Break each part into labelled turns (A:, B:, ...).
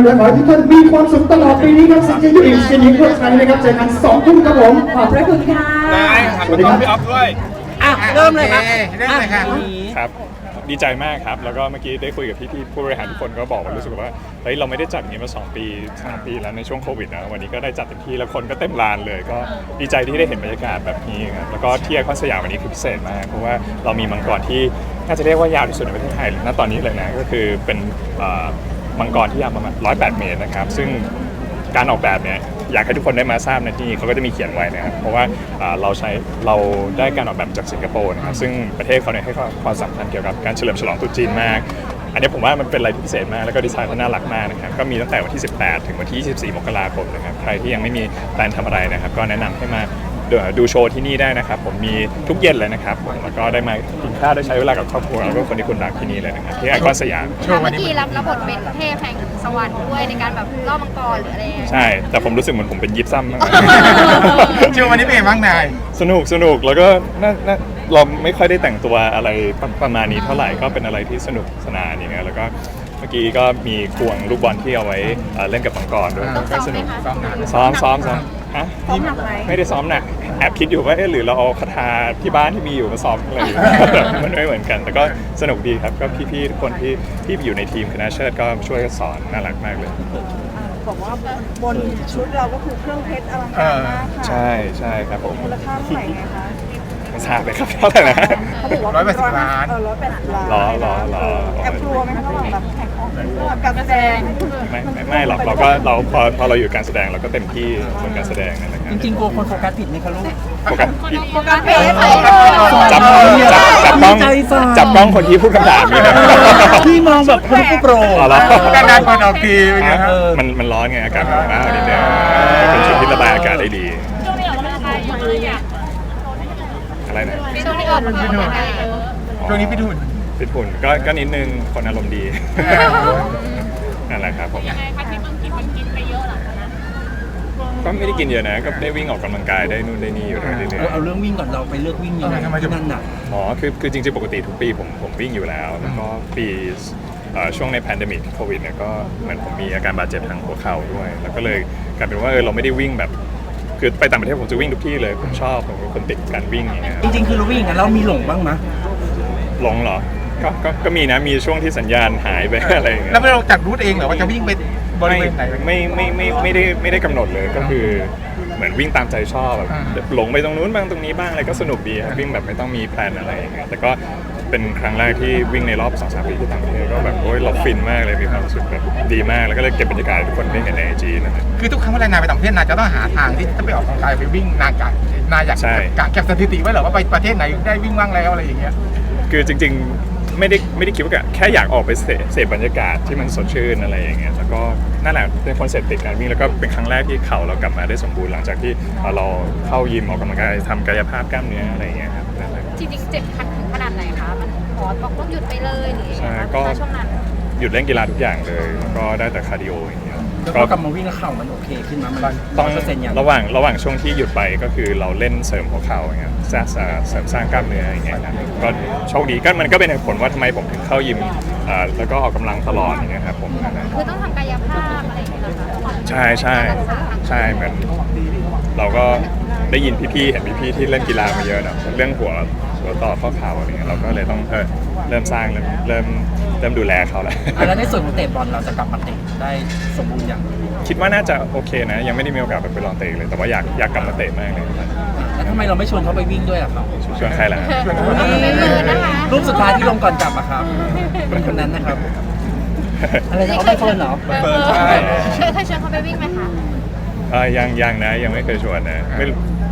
A: และขอให้ทุกท่านมีความสุขตลอดปีนี้ครับสินเจยุอิสินยิงเพื่อไทยนะครับเจอกัน2 ทุ่มครับผม
B: ขอบพระคุณค่ะ
C: ได้ครับพี่อ๊อฟด้วย
B: อ่ะเริ่มเลยครับ
D: เริ่มเลยค่ะ
C: ครับดีใจมากครับแล้วก็เมื่อกี้ได้คุยกับพี่ๆผู้บริหารทุกคนก็บอกว่ารู้สึกว่าเฮ้ยเราไม่ได้จัดอย่างนี้มา2 ปี3 ปีแล้วในช่วงโควิดนะวันนี้ก็ได้จัดเต็มที่แล้วคนก็เต็มลานเลยก็ดีใจที่ได้เห็นบรรยากาศแบบนี้ครับแล้วก็ที่ไอคอนสยามวันนี้คือพิเศษมากเพราะว่าเรามีมังกรที่น่าจะเรียกว่ายาวที่สุดในประเทศไทยณตอนนี้เลยนะก็คือเป็นมังกรที่ยาวประมาณ108 เมตรนะครับซึ่งการออกแบบเนี่ยอยากให้ทุกคนได้มาทราบในที่นี้เขาก็จะมีเขียนไว้นะครับเพราะว่าเราได้การออกแบบจากสิงคโปร์นะครับซึ่งประเทศเขาเนี่ยให้ความสำคัญเกี่ยวกับการเฉลิมฉลองตรุษจีนมากอันนี้ผมว่ามันเป็นอะไรที่พิเศษมากแล้วก็ดีไซน์เขาน่ารักมากนะครับก็มีตั้งแต่วันที่ 18 ถึงวันที่ 24 มกราคมนะครับใครที่ยังไม่มีแพลนทำอะไรนะครับก็แนะนำให้มาดูโชว์ที่นี่ได้นะครับผมมีทุกเย็นเลยนะครับแล้วก็ได้มากินข้าวได้ใช้เวลากับครอบครัวแล้วก็คนที่คุณรักที่นี่เลยนะครับที่ไอคอนสยาม
D: โชว์
E: เมื่
D: วัน
E: อ
D: นี้
E: กี้รับบทเป็นเทพแห่งสวรรค์ด้วยในการแบบล่อมังกรหรืออะไรอย่างเงี้ย
C: ใช่แต่ผมรู้สึกเหมือนผมเป็นยิปซัมมาก
D: โชว์วันนี้เป็นไงบ้างนาย
C: สนุกแล้วก็เราไม่ค่อยได้แต่งตัวอะไรประมาณนี้เท่าไหร่ก็เป็นอะไรที่สนุกสนานอย่างเงี้ยแล้วก็เมื่อกี้ก็มีควงลูกบอลที่เอาไว้เล่นกับมังกรด้วยก็สนุก
D: ซ้อมนาน
C: ซ้อมฮะไม่ได้ซ้อมหนักแอบคิดอยู่ว่าหรือเราเอาคาถาที่บ้านที่มีอยู่มาซ้อมอะไรอยู่ มันไม่เหมือนกันแต่ก็สนุกดีครับก็พี่ๆทุกคนที่อยู่ในทีมคณะเชิดก็ช่วยกันสอนน่ารักมากเลย
B: บอกว่าบนชุดเราก็คือเครื่องเพชรอลังการมากค่ะ
C: ใช่ครับผม
B: มูลค่าเท่าไหร่ไงคะ
C: ไม่ทราบเลยครับเท่าไหร่นะ
B: เขาบอกว่า
D: 180 ล้าน
B: 180 ล้าน
C: หรอ
B: แอบกลัวไหมคะระหว่างแบบแข่งของการแสดง
C: ไม่หรอกพอเราอยู่การแสดงเราก็เต็มที่บนการแสดงนั่นแหละครับ
F: จริงๆกลัวคนโฟกัสผิดไหมคะลูก
C: โฟกัสผิด
E: การเพจ
C: จับกล้องคนที่พูดคำถามอยู่นะ
F: พี่มองแบบคนผู้โปร
C: อ๋อเหรอ
D: การงานคนออกทีเป็นไงครับ
C: มันร้อนไงอากาศมันมากนิดเดียวเป็นชุดที่ระบายอากาศได้ดีอะไรนะ
E: ช่วงนี้ออกมาเป็นไง
D: ช่วงนี้พี่ทุน
C: ฟิตหุ่นก็นิดนึงคนอารมณ์ดีนั่นแหละครับผมก็ไม่ได้กินเยอะนะก็ได้วิ่งออกกำลังกายได้นู่นได้นี่อยู่เรื่อย
F: เอาเรื่องวิ่งก่อนเราไปเลือกวิ่งยังไงที่นั่นน่ะ
C: ๆอ๋อคือจริงๆปกติทุกปีผมวิ่งอยู่แล้วแล้วก็ปีช่วงในแพนเดมิกโควิดเนี่ยก็เหมือนผมมีอาการบาดเจ็บทางหัวเข่าด้วยแล้วก็เลยกลายเป็นว่าเราไม่ได้วิ่งแบบคือไปต่างประเทศผมจะวิ่งทุกที่เลยผมชอบผมเป็นคนติดการวิ่งอย่างเงี้ย
F: จริงๆคือเราวิ่งกันเรามีหลงบ้างไหม
C: หลงเหรอก็มีนะมีช่วงที่สัญญาณหายไป อะไรอย่างเงี้ย
D: แล้วเราจัดรูทเองเหรอว่าจะวิ่งไปบริเวณไหน
C: ไม่ได้กำหนดเลยก็คือเหมือนวิ่งตามใจชอบแบบหลงไปตรงนู้นบ้างตรงนี้บ้างอะไรก็สนุกดีครับวิ่งแบบไม่ต้องมีแพลนอะไรอย่างเงี้ยแต่ก็เป็นครั้งแรกที่วิ่งในรอบ 2-3 ปีที่ต่างประเทศก็แบบโอ้ยเราฟินมากเลยมีความรู้สึกแบบดีมากแล้วก็เลยเก็บบรรยากาศให้ทุกคนได้เห็นใน IG นั่นแหละ
D: คือทุกครั้งเวลานายไปต่างประเทศนายจะต้องหาทางที่จะไปออกกำลังกายไปวิ่งนายอยาก
C: ใช่
D: กะเก็บสถิติไว้เหรอว่าไปประเทศไหนได้วิ่งบ้างแล้วอะไรอย่างเงี้ย
C: คือจริงๆไม่ได้คิดว่าแค่อยากออกไปเสพบรรยากาศที่มันสดชื่นอะไรอย่างเงี้ยแล้วก็นั่นแหละเป็นคอนเซ็ปต์ติดการวิ่งแล้วก็เป็นครั้งแรกที่เข่าเรากลับมาได้สมบูรณ์หลังจากที่เราเข้ายิมออกกำลังกายทำกายภาพกล้ามเนื้ออะไรอย่างเงี้ยครับนั่นแหละ
E: จริงๆเจ็บขัดถึงขนาดไหนคะมันหมอบอกต้องหยุดไปเลยหรือยังไง
C: ใช่
E: คะ
C: ก็
E: ช่วงนั้น
C: หยุดเล่นกีฬาทุกอย่างเลยแล้วก็ได้แต่คาร์ดิโออย่างเงี้ย
F: แล้วก็กลับมาวิ่งแล้วเข่ามันโอเคขึ้นมามัน
C: ต้อง
F: 100%ยัง
C: ระหว่างช่วงที่หยุดไปก็คือเราเล่นเสริมหัวเข่าอย่างเงี้ยเสริมสร้างกล้ามเนื้ออย่างเงี้ยนะก็โชคดีก็มันก็เป็นเหตุผลว่าทำไมผมถึงเข้ายิมแล้วก็ออกกำลังตลอดอย่างเงี้ยครับผมนั่นแหละ
E: คือต้องทำกายภาพอะไรอย่างเงี้ยนะคะ
C: ใช่เหมือนเราก็ได้ยินพี่ๆเห็นพี่ๆที่เล่นกีฬามาเยอะนะเรื่องหัวต่อข้อเข่าอะไรเงี้ยเราก็เลยต้องเริ่มสร้างเริ่มดูแลเขาแล้ว
F: แล้วในส่วนของเตะบอลเราจะกลับมาเตะได้สมบูรณ์อย่าง
C: คิดว่าน่าจะโอเคนะยังไม่ได้มีโอกาสไปลองเตะเลยแต่ว่าอยากกลับมาเตะมากเลยครับ
F: แล้วทำไมเราไม่ชวนเขาไปวิ่งด้วยล่ะครับ
C: ชวนใครล่ะ
E: ไม่เกินนะคะ
F: รูปสุดท้ายที่ลงก่อนกลับอะครับเป็นคนนั้นนะครับ อะไรนะเอาไปเฟิร์นเหรอ
C: ใช่
E: เคยชวนเขาไปวิ่งไหมคะ
C: ยังนะยังไม่เคยชวนนะไม่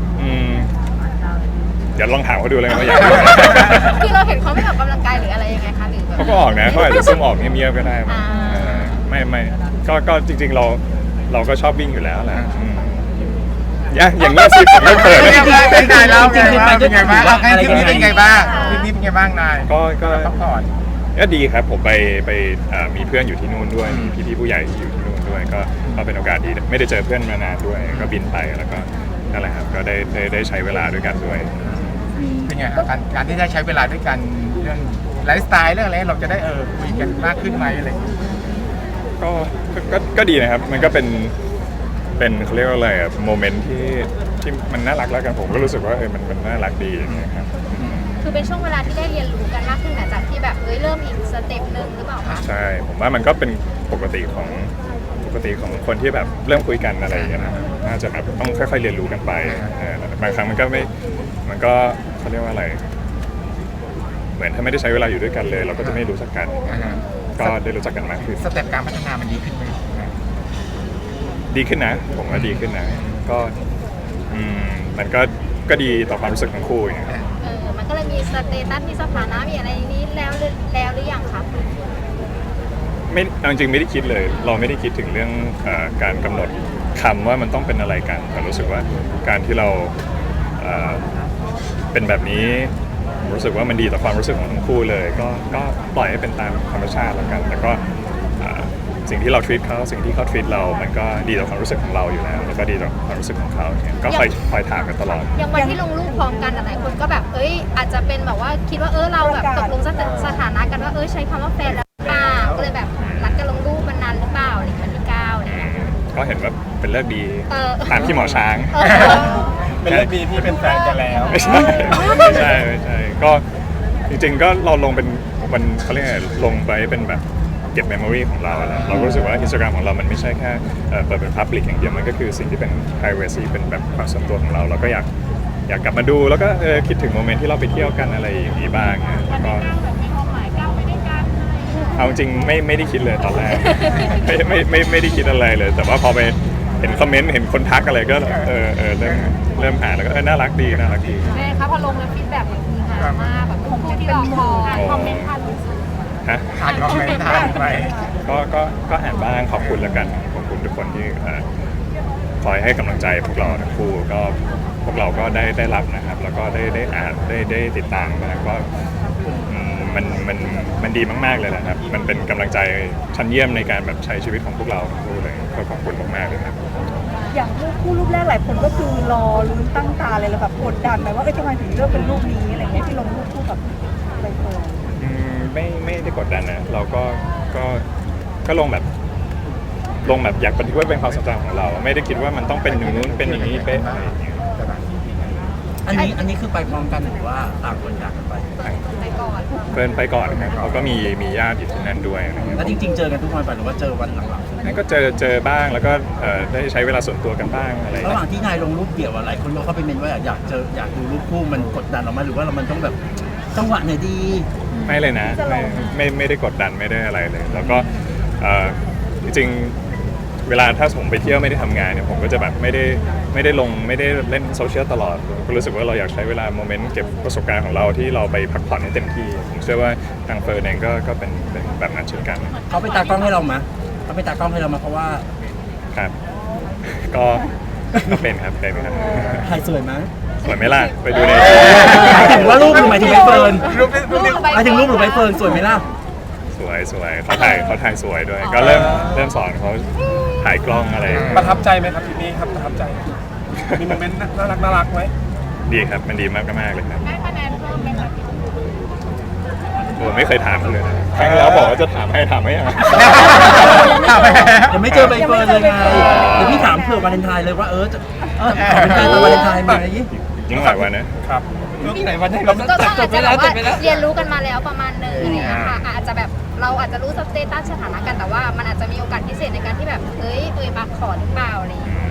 C: เดี๋ยวลองถามเขาดูเลยว่าอยากไปไหม
E: คือเราเห็นเขาไม่ออกกำลังกายหรืออะไรยังไงคะหรือแบบ
C: เขาก็ออกนะเขาอาจจะซุ่มออกเงียบๆก็ได้มั้งไม่ก็จริงๆเราก็ชอบวิ่งอยู่แล้วแหละอย่างเงี้ยสิผมไม่เปิด
D: เป็นไงแล้วเป็นไงบ้างให้ทริปนี้เป็นไงบ้างทริปนี้เป็นไงบ้างนาย
C: ก็
D: พักผ่อน
C: ก็ดีครับผมไปมีเพื่อนอยู่ที่นู่นด้วยมีพี่ๆผู้ใหญ่ที่อยู่ที่นู่นด้วยก็เป็นโอกาสดีไม่ได้เจอเพื่อนมานานด้วยก็บินไปแล้วก็นั่นแหละครับก็ได้ใช้เวลาด้วยกันด้วย
D: เป็นไงครับการที่ได้ใช้เวลาด้วยกันเรื่องไลฟ์สไตล์เรื่องอะไรเราจะได้คุยกันมากขึ้นไหมอะไรอย่างเงี้ย
C: ก็ก็ดีนะครับมันก็เป็นเขาเรียกว่าอะไรอะโมเมนต์ที่มันน่ารักแล้วกันผมก็รู้สึกว่ามันน่ารักดีอย่างเงี้ยครับ
E: คือเป็นช่วงเวลาที่ได้เรียนรู้กันมากขึ้นหลังจากที่แบบเริ่มอีกสเต็ปหนึ่งหรือเปล่าคะ
C: ใช่ผมว่ามันก็เป็นปกติของคนที่แบบเริ่มคุยกันอะไรอย่างเงี้ยนะครับน่าจะแบบต้องค่อยๆเรียนรู้กันไปบางครั้งมันก็เขาเรียกว่าอะไร เหมือนถ้าไม่ได้ใช้เวลาอยู่ด้วยกันเลย เราก็จะไม่รู้จักกัน ก็ได้รู้จักกันมากขึ้น
D: สเต็ปการพัฒนามันดีขึ้นไหม
C: ดีขึ้นนะผมว่าดีขึ้นนะก็มันก็ดีต่อความรู้สึกของคู่อย่างเงี้ยครับ
E: มันก็เลยมีสเตตัสมีสถานะมีอะไรนี้แล้วหรือยังคะ
C: ไม่เอาจริงๆไม่ได้คิดเลย เราไม่ได้คิดถึงเรื่องการกำหนดคำว่ามันต้องเป็นอะไรกันแต่รู้สึกว่าการที่เราเป็นแบบนี้ผมรู้สึกว่ามันดีต่อความรู้สึกของทั้งคู่เลยก็ปล่อยให้เป็นตามธรรมชาติแล้วกันแต่ก็สิ่งที่เรา treat เขาสิ่งที่เขา treat เรามันก็ดีต่อความรู้สึกของเราอยู่แล้วแล้วก็ดีต่อความรู้สึกของเขาเนี่ยก็คอยถามกันตลอด
E: อย่างวันที่ลงรูปพร้อมกันหลายคนก็แบบอาจจะเป็นแบบว่าคิดว่าเราแบบตกลงสถานะกันว่าใช้คำว่าแฟนแล้วหรือเปล่าก็เลยแบบรักกันลงรูปมันนานหรือเปล่าอะไรอย่างเงี้ยที่9อะไรเงี้ย
C: ก็เห็นว่าเป็นเลิกดีตามที่หมอช้าง
D: เป็นเรื่องดีที่เป็นแฟนกันแล้ว
C: ไม่ใช่ก็จริงๆก็เราลงเป็นวันเขาเรียกไงลงไปเป็นแบบเก็บเมมโมรีของเราแล้วเราก็รู้สึกว่า Instagram ของเรามันไม่ใช่แค่เปิดเป็น Public อย่างเดียวมันก็คือสิ่งที่เป็น privacy เป็นแบบความส่วนตัวของเราก็อยากกลับมาดูแล้วก็คิดถึงโมเมนต์ที่เราไปเที่ยวกันอะไรอย่างนี้บ้างแล้วก็เอาจริงไม่ได้คิดเลยตอนแรก ไม่ได้คิดอะไรเลย แต่ว่าพอไปเห็นคอมเมนต์เห็นคนทักอะไรก็เริ่มหาแล้วก็น่ารักดีแม่ครับพอลงแล้วฟีดแบ็กมันมีหามากแบบคู่ที่เราคอมเมนต์ทันฮะ
D: อ่านคอมเมนต์ทันไป
C: ก็อ่านบ้างขอบคุณแล้วกันขอบคุณทุกคนที่คอยให้กำลังใจพวกเราทั้งคู่ก็พวกเราก็ได้รับนะครับแล้วก็ได้อ่านได้ติดตามนะครับก็มันดีมากๆเลยนะครับมันเป็นกำลังใจชั้นเยี่ยมในการแบบใช้ชีวิตของพวกเราทั้งคู่เลยก็ขอบคุณมากๆเลยครับ
B: อย่างรูปแรกหลายคนก็คือรอลุ้นตั้งตาเลยแล้วแบบกดดันไปว่าทำไมถึงเลือกเป็นรูปนี้อะไรเงี้ยที่ลงรูปคู่กับใบเฟิร์น
C: ไม่ได้กดดันนะเราก็ลงแบบอยากบันทึกไว้เป็นความทรงจำของเรา ไม่ได้คิดว่ามันต้องเป็นอย่างนู้นเป็นอย่างนี้เป๊ะอะไรอย่างเงี้ย
F: อันนี้คือไปพร้อมกันหรือว่าต่างคนต่างกันไป
E: ไปก่อน
C: เฟิร์นไปก่อนครับเขาก็มีญาติอยู่ที่นั่นด้วยนะครับ
F: แล้วจริงๆเจอกันทุกวันป่ะหรือว่าเจอวันหลัง
C: นั่นก็เจอบ้างแล้วก็ได้ใช้เวลาส่วนตัวกันบ้างอะไร
F: ๆระหว่างที่นายลงรูปเดี่ยวหลายคนเข้าไปเมนว่าอยากดูรูปคู่มันกดดันออกมาหรือว่ามันต้องแบบจังหวะไหนดี
C: ไม่เลยนะไม่ได้กดดันไม่ได้อะไรเลย แล้วก็จริงๆเวลาถ้าผมไปเที่ยวไม่ได้ทำงานเนี่ยผมก็จะแบบไม่ได้ลงไม่ได้เล่นโซเชียลตลอดก็รู้สึกว่าเราอยากใช้เวลาโมเมนต์เก็บประสบการณ์ของเราที่เราไปพักผ่อนให้เต็มที่ผมเชื่อว่าทางเฟิร์นเองก็เป็นแบบนั้นเช่นกัน
F: เขาไปตากล้องให้เรามาเขาไปตากล้องให้เรามาเพราะว่า
C: ครับก็เป็นครับ
F: ถ่ายสวยมั้ย
C: สวยไหมล่ะไปดูใน
F: หมายถึงว่ารูปหรือหมายถึงใบเฟิร์น
D: รูป
F: หมายถึงรูปหรือใบเฟิร์นสวยไหมล่ะ
C: สวยเขาถ่ายสวยด้วยก็เริ่มสอนเขาถ่ายกล้องอะไร
D: ประทับใจไหมครับทีนี้ครับประทับใจมีโมเมนต์น่ารักไหม
C: ดีครับมันดีมากเลยครับ
E: ได้คะแนนเพิ่มไหมคะ
C: ผมไม่เคยถามเขาเลยนะครั้งที่แล้วบอกว่าจะถามให้อ่ะ
F: ยังไม่เจอใบเฟิร์นเลยไงเดี๋ยวพี่ถามเผื่อวาเลนไทน์เลยว่าจะขอเป็นแฟนวาเลนไทน์ไหม
C: ยิ่งหลายวันนะครับ
D: ที่ไหนวันไหนเรา
E: ก็อาจจะแบบว่าเรียนรู้กันมาแล้วประมาณนึงอะไรอย่างเงี้ยค่ะอาจจะแบบเราอาจจะรู้สเตตัสสถานะกันแต่ว่ามันอาจจะมีโอกาสพิเศษในการที่แบบมาขอหรือเปล่าอะไรอย่างเงี้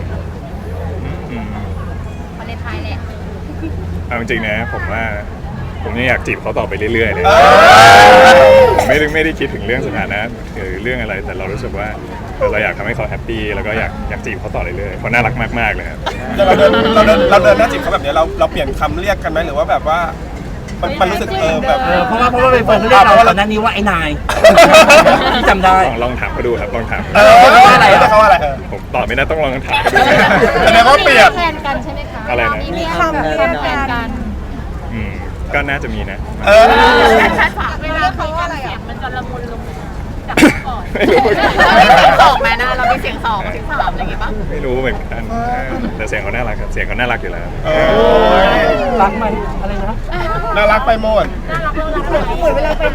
E: ยวาเลนไทน์แหละ
C: เอาจริงๆนะผมว่าผมยังอยากจีบเขาต่อไปเรื่อยๆเลยไม่ได้คิดถึงเรื่องสถานะหรือเรื่องอะไรแต่เรารู้สึกว่าเราอยากทำให้เขาแฮปปี้แล้วก็อยากจีบเขาต่อเรื่อยๆเขาน่ารักมากๆเลยครับ
D: เราเดินหน้าจีบเขาแบบนี้เราเปลี่ยนคำเรียกกันไหมหรือว่าแบบว่ามันรู้สึกแบบ
F: เพราะว่าใบเฟิร์นเขาเรียกเราตอนนั้นนี้ว่าไอ้นายที่จำได้
C: ลองถามเขาดูครับลองถาม
D: เขาว่าอะไร
C: ผมตอบไม่ได้ต้องลองถามเขาดู
D: แสดงว่าเปลี่ยน
E: แฟนกันใช่ไหมคะ
C: อะไรนะ
E: มีคำแฟนกัน
C: ก็น่าจะมีนะ
E: เวลาเขาว่าอะไรอ่ะมันจะละมุนลงจากก่อน
C: ไม่รู้
E: สองไหมนะเรามีเสียง2เสียง3อะไรอย่างงี้ป่ะ
C: ไม่รู้เหมือนกันแต่เสียงเขาน่ารักครับเสียงเขาน่ารักอยู่แล้ว
F: รักไหมอะไรนะ
D: น่ารักไปหมด
B: เหมือนเวลาไปไหนทุกคน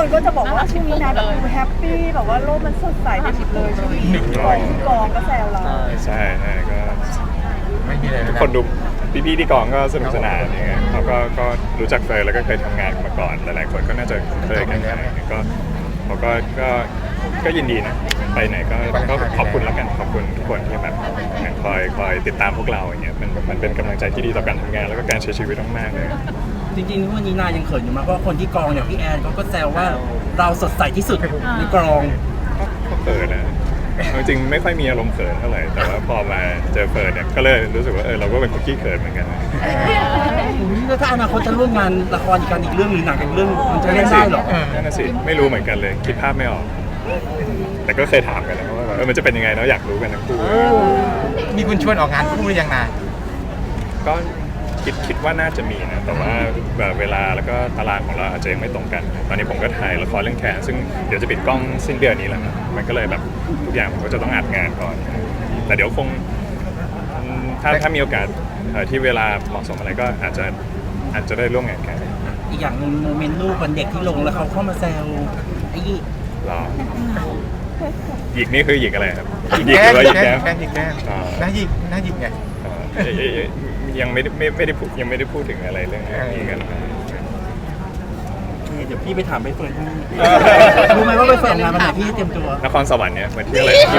B: คนก็จะบอกว่าช่วงนี้นะแบบดูแฮปปี้แบบว่าโลกมันสดใสไปหมดเลยช่วงนี้กองก็แซวเรา
C: ใช่ก็
D: ไม่มีอะไร
C: ทุกคนดูพี่ๆที่กองก็สนุกสนานอย่างเงี้ยเขาก็รู้จักเฟยแล้วก็เคยทำงานกันมาก่อนหลายๆคนก็น่าจะเคยกันก็เขาก็ยินดีนะไปไหนก็ขอบคุณแล้วกันขอบคุณทุกคนที่แบบคอยติดตามพวกเราอย่างเงี้ยมันเป็นกำลังใจที่ดีต่อการทำงานแล้วก็การใช้ชีวิตมากๆเลย
F: จริงๆวันนี้นายยังเขินอยู่มากเพราะคนที่กองอย่างพี่แอนเขาก็แซวว่าเราสดใสที่สุดในกอง
C: ก็เขินนะจริงๆไม่ค่อยมีอารมณ์เขินเท่าไหร่แต่ว่าพอมาเจอเฟิร์นเนี่ยก็เลยรู้สึกว่าเราก็เป็นคนขี้เขินเหมือนกันนะ
F: แล้วถ้าอนาคตจะร่วมงานละครอีกเรื่องหรือหนังอีกเรื่องมันจะเล่นได้เหรอ
C: นั่นน่ะสิไม่รู้เหมือนกันเลยคิดภาพไม่ออก แต่ก็เคยถามกันนะว่ามันจะเป็นยังไงเนาะอยากรู้กันทั้งคู่
D: มีคุณชวนออกงานคู่หรือยังนาย
C: ก็คิดว่าน่าจะมีนะแต่ว่าแบบเวลาแล้วก็ตารางของเราอาจจะยังไม่ตรงกัน ตอนนี้ผมก็ถ่ายละครเรื่องแขนซึ่งเดี๋ยวจะปิดกล้องสิ้นเดือนนี้แล้วครับมันก็เลยแบบทุกอย่างผมก็จะต้องอัดงานก่อน แต่เดี๋ยวคงถ้ามีโอกาสที่เวลาเหมาะสมอะไรก็อาจจะได้ร่วมงานกัน
F: อีกอย่างหนึงโมเมนต์ลูกวันเด็กที่ลงแล้วเขาเข้ามาแซวไอ้ยี่
C: หรอหยิกนี่คือหยิกอะไรครับหยิกหรือว่าหยิกแก้ม
D: แก้มน่าหยิกไง
C: ยังไม่ได้พูดยังไม่ได้พูดถึงอะไรเรื่องนี้กันครับ
F: เดี๋ยวพี่ไปถามใบเฟิร์นให้รู้ไหมว่าใบเฟิร์นงานวันไหนพี่เตรียมตัวน
C: ครสวรรค์เนี่ยมาเที่ยวอะไรที่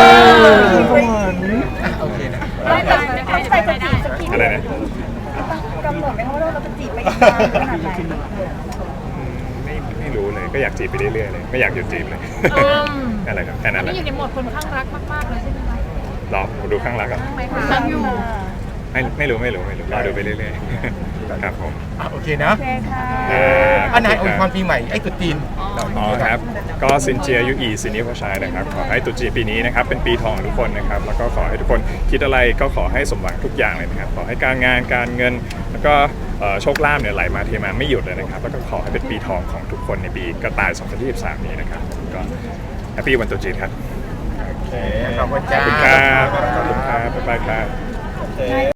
D: โอเคนะ
B: ไม่แต่ตั้งใจจะจีบสักที
C: อะไรนะ
B: กำหนดไหมคะว่าเราจะจีบไปอีกนานขนาดไหน
C: ไม่รู้เลยก็อยากจีบไปเรื่อยๆเลยไม่อยากหยุดจีบเลยอะไรครับแค่นั้นแห
G: นี่
C: ละ
G: อยู่ในโหมดคนข้างรักมากๆเลยใช่ไหมคะ
C: รอดูข้างหลังอ่ะ
G: ข้างไหมคะอยู่
C: ไม่รู้รอดูไปเรื่อยๆครับผม
D: โอเคนะ
B: โอเคค่ะ
D: อันนายอวยพรปีใหม่ไอ้ตุ๊จีน
C: อ๋อครับก็ซินเจียยูอีซินิโคชัยนะครับขอให้ตรุษจีนปีนี้นะครับเป็นปีทองของทุกคนนะครับแล้วก็ขอให้ทุกคนคิดอะไรก็ขอให้สมหวังทุกอย่างเลยนะครับขอให้การงานการเงินแล้วก็โชคลาภเนี่ยไหลมาเทมาไม่หยุดเลยนะครับแล้วก็ขอให้เป็นปีทองของทุกคนในปีกระต่าย 2023 นี้นะครับก็แฮปปี้วันตรุษจีนครับ
D: โอเคขอบคุณ
C: ข
D: จ้า
C: อบคุณครับบ๊ายบายครับ